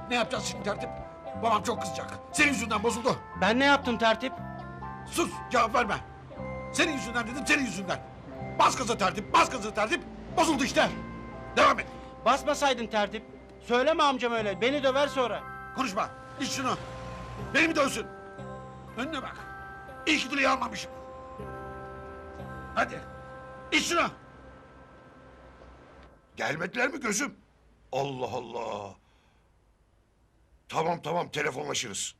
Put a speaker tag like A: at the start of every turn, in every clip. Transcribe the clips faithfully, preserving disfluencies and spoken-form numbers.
A: Ne yapacağız şimdi tertip? Babam çok kızacak. Senin yüzünden bozuldu.
B: Ben ne yaptım tertip?
A: Sus, cevap verme. Senin yüzünden dedim, senin yüzünden. Bas gaza tertip, bas gaza tertip. Bozuldu işte. Devam et.
B: Basmasaydın tertip. Söyleme amcam öyle. Beni döver sonra.
A: Konuşma. İç şunu. Beni mi dövsün? Önüne bak. İyi ki dileği almamışım. Hadi. İç şunu.
C: Gelmediler mi gözüm? Allah Allah. Tamam tamam telefonlaşırız.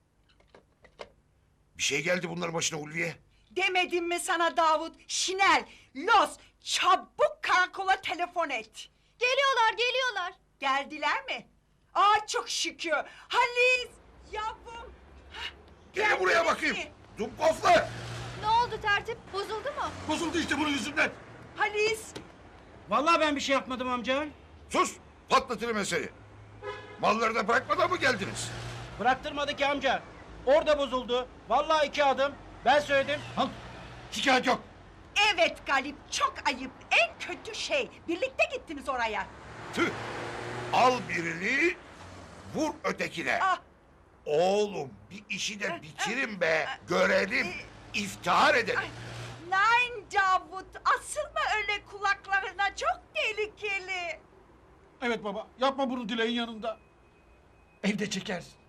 C: Bir şey geldi bunların başına Ulviye.
D: Demedim mi sana Davut? Şinel, Los, çabuk karakola telefon et.
E: Geliyorlar, geliyorlar.
D: Geldiler mi? Aa çok şükür. Halis, yavrum.
C: Gelin buraya bakayım. Dumkoflar.
E: Ne oldu tertip? Bozuldu mu?
A: Bozuldu işte bunun yüzünden.
D: Halis,
B: Vallahi ben bir şey yapmadım amca.
C: Sus patlatırım meseleyi. Malları da bırakmadan mı geldiniz?
B: Bıraktırmadı ki amca. Orada bozuldu. Vallahi iki adım. Ben söyledim.
A: Al. Şikayet yok.
D: evet Galip çok ayıp. En kötü şey. Birlikte gittiniz oraya.
C: Tüh. Al birini vur ötekine.
D: Ah,
C: Oğlum bir işi de bitirin be. Görelim. İftihar edelim.
D: nein Davut. Asılma öyle kulaklarına. Çok tehlikeli.
A: Evet baba, yapma bunu dileğin yanında. Evde çekersin.